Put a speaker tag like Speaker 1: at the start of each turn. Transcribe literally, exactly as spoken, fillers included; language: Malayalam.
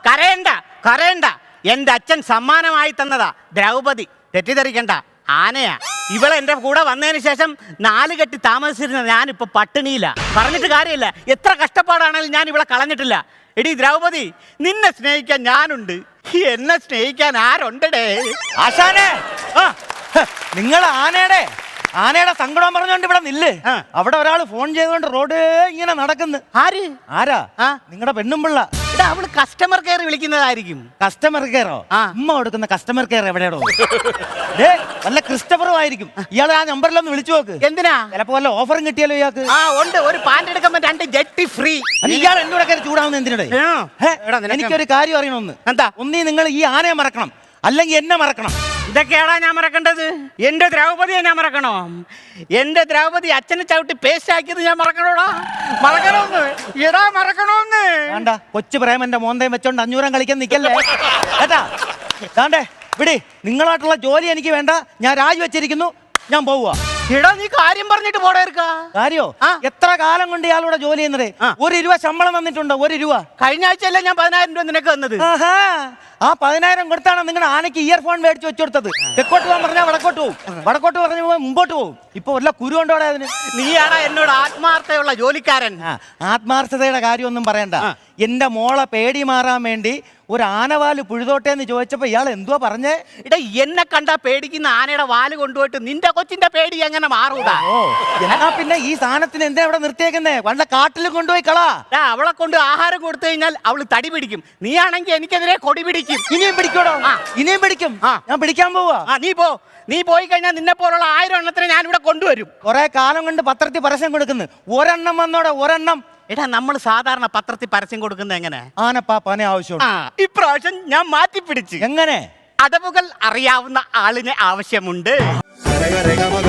Speaker 1: കരയണ്ട കരയണ്ട, എന്റെ അച്ഛൻ സമ്മാനമായി തന്നതാ ദ്രൗപദി, തെറ്റിദ്ധരിക്കണ്ട. ആനയാ. ഇവളെ എന്റെ കൂടെ വന്നതിന് ശേഷം നാല് കെട്ടി താമസിച്ചിരുന്ന ഞാനിപ്പോ പട്ടിണിയില്ല. പറഞ്ഞിട്ട് കാര്യമില്ല, എത്ര കഷ്ടപ്പാടാണെങ്കിലും ഞാൻ ഇവളെ കളഞ്ഞിട്ടില്ല. എടി ദ്രൗപദി, നിന്നെ സ്നേഹിക്കാൻ ഞാനുണ്ട്, എന്നെ സ്നേഹിക്കാൻ ആരുണ്ടടേ?
Speaker 2: ആശാനെ, നിങ്ങൾ ആനയുടെ ആനയുടെ സങ്കടം പറഞ്ഞോണ്ട് ഇവിടെ നില്ല്. അവിടെ ഒരാൾ ഫോൺ ചെയ്തോണ്ട് റോഡ് ഇങ്ങനെ നടക്കുന്നു.
Speaker 1: ആര്?
Speaker 2: ആരാ? നിങ്ങളുടെ പെണ്ണുമ്പിള്ള.
Speaker 1: എടാ, അവള് കസ്റ്റമർ കെയർ വിളിക്കുന്നതായിരിക്കും.
Speaker 2: കസ്റ്റമർ കെയറോ? ഉമ്മ കൊടുക്കുന്ന കസ്റ്റമർ കെയർ എവിടെയാണോ? വല്ല ക്രിസ്റ്റഫറും ആയിരിക്കും. ഇയാൾ ആ നമ്പറിലൊന്ന് വിളിച്ചു നോക്ക്.
Speaker 1: എന്തിനാ?
Speaker 2: ചിലപ്പോ വല്ല ഓഫറും കിട്ടിയാലോ ഇയാൾക്ക്?
Speaker 1: ആ ഉണ്ട്, ഒരു പാന്റ് എടുക്കുമ്പോ രണ്ട് ജെട്ടി ഫ്രീ.
Speaker 2: ഇയാൾ എന്നോട് കയറി ചൂടാവുന്ന എന്തിനടേ? എനിക്കൊരു കാര്യം അറിയണമെന്ന്.
Speaker 1: എന്താ?
Speaker 2: ഒന്നീ നിങ്ങൾ ഈ ആനയെ മറക്കണം, അല്ലെങ്കിൽ എന്നെ മറക്കണം.
Speaker 1: ഇതൊക്കെയാടാ ഞാൻ മറക്കേണ്ടത്? എന്റെ ദ്രൗപതിയെ ഞാൻ മറക്കണോ? എന്റെ ദ്രൗപതി അച്ഛനെ ചവിട്ടി പേസ്റ്റ് ആക്കിയത് ഞാൻ മറക്കണോടാ? മറക്കണോന്ന് എടാ, മറക്കണോന്ന്.
Speaker 2: വേണ്ട, കൊച്ചു പ്രേമന്റെ മോന്തയും വെച്ചോണ്ട് അഞ്ഞൂരം കളിക്കാൻ നിക്കല്ലേ കേട്ടാ. വേണ്ടേ, വിടി. നിങ്ങളായിട്ടുള്ള ജോലി എനിക്ക് വേണ്ട, ഞാൻ രാജിവെച്ചിരിക്കുന്നു, ഞാൻ പോവുക.
Speaker 1: എടാ, നീ കാര്യം പറഞ്ഞിട്ട് പോടേർക്ക.
Speaker 2: കാര്യോ? എത്ര കാലം കൊണ്ട് ഇയാളൂടെ ജോലി ചെയ്യുന്നത്? ഒരു രൂപ ശമ്പളം തന്നിട്ടുണ്ടോ? ഒരു രൂപ.
Speaker 1: കഴിഞ്ഞ ആഴ്ചയല്ലേ ഞാൻ പതിനായിരം രൂപ നിനക്ക് തന്നത്.
Speaker 2: ആ പതിനായിരം കൊടുത്താണ് നിങ്ങളുടെ ആനയ്ക്ക് ഇയർഫോൺ മേടിച്ച് വെച്ചു കൊടുത്തത്. തെക്കോട്ട് പോകാൻ പറഞ്ഞാൽ വടക്കോട്ട് പോകും, വടക്കോട്ട് പറഞ്ഞു പോകാൻ മുമ്പോട്ട് പോകും. ഇപ്പൊ വല്ല കുരു കൊണ്ടോടെ അതിന്?
Speaker 1: നീയാടാ എന്നോട് ആത്മാർത്ഥയുള്ള ജോലിക്കാരൻ.
Speaker 2: ആത്മാർത്ഥതയുടെ കാര്യമൊന്നും പറയണ്ട. എന്റെ മോളെ പേടി മാറാൻ വേണ്ടി ഒരു ആനവാല് പുഴുതോട്ടെ എന്ന് ചോദിച്ചപ്പോ ഇയാൾ എന്തുവാ പറഞ്ഞേ?
Speaker 1: ഇടാ, എന്നെ കണ്ടാ പേടിക്കുന്ന ആനയുടെ വാല് കൊണ്ടുപോയിട്ട് നിന്റെ കൊച്ചിന്റെ പേടി എങ്ങനെ മാറൂടാ?
Speaker 2: എന്നാ പിന്നെ ഈ സാധനത്തിന് എന്താ ഇവിടെ നിർത്തിയേക്കുന്നേ? വല്ല കാട്ടിലും കൊണ്ടുപോയി കളാ.
Speaker 1: അവളെ കൊണ്ട് ആഹാരം കൊടുത്തു കഴിഞ്ഞാൽ അവള് തടി പിടിക്കും. നീയാണെങ്കിൽ എനിക്കെതിരെ കൊടി പിടിക്കും.
Speaker 2: ഇനിയും പിടിക്കോടോ? ഇനിയും പിടിക്കും. ഞാൻ പിടിക്കാൻ പോവാ.
Speaker 1: നീ പോ. നീ പോയി കഴിഞ്ഞാൽ നിന്നെ പോലുള്ള ആയിരം എണ്ണത്തിന് ഞാൻ ഇവിടെ കൊണ്ടുവരും.
Speaker 2: കുറെ കാലം കൊണ്ട് പത്രത്തിൽ പരസ്യം കൊടുക്കുന്നു. ഒരെണ്ണം വന്നോടെ, ഒരെണ്ണം.
Speaker 1: എടാ, നമ്മൾ സാധാരണ പത്രത്തിൽ പരസ്യം കൊടുക്കുന്നത് എങ്ങനെ?
Speaker 2: ആനപ്പാപ്പാനെ ആവശ്യം.
Speaker 1: ഇപ്രാവശ്യം ഞാൻ മാറ്റി പിടിച്ച്.
Speaker 2: എങ്ങനെ?
Speaker 1: അടവുകൾ അറിയാവുന്ന ആളിനെ ആവശ്യമുണ്ട്.